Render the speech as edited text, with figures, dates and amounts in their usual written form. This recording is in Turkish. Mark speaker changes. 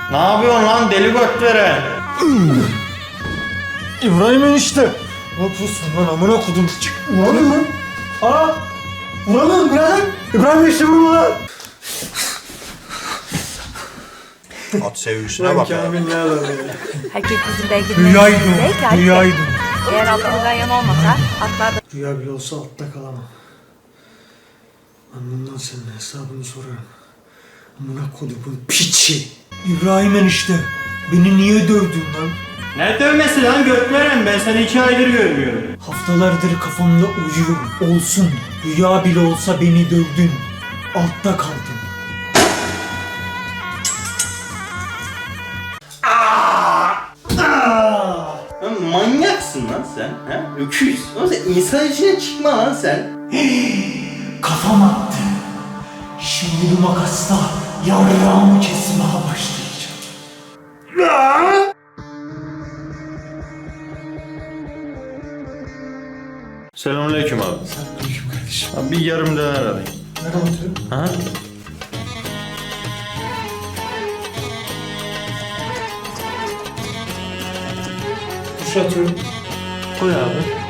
Speaker 1: Ne yapıyorsun lan deli göt veren?
Speaker 2: İbrahim enişte. Ne yapıyorsun lan amına kodum? Vuramıyorum lan. Aa! Vuramıyorum birader. İbrahim enişte vurma lan.
Speaker 1: At sevgisine bak ya.
Speaker 2: Kamil ne adam ya?
Speaker 3: Herkes bizim belki
Speaker 2: Rüyaydım. Rüyaydım.
Speaker 3: Eğer aklımızdan yana olmasa atlar da
Speaker 2: Rüya bile olsa altta kalamam. Ben bundan senin hesabını sorarım. Amına kodumun piçi. İbrahim enişte. Beni niye dövdün lan?
Speaker 1: Ne dövmesi lan göt veren, ben seni 2 aydır görmüyorum.
Speaker 2: Haftalardır kafamda uyuyor. Olsun. Rüya bile olsa beni dövdün. Altta kaldım.
Speaker 1: Lan manyaksın lan sen. He? Öküz. Oğlum sen insan içine çıkma lan sen.
Speaker 2: Kafam attı. Şimdi bu makasla yavrağımı kesmeye başlayacağım.
Speaker 1: Selamünaleyküm abi.
Speaker 2: Selamünaleyküm kardeşim.
Speaker 1: Abi bir yarım döner alayım.
Speaker 2: Nereye oturuyorsun?
Speaker 1: Ha?
Speaker 2: Kuş atıyorum.
Speaker 1: Koy abi.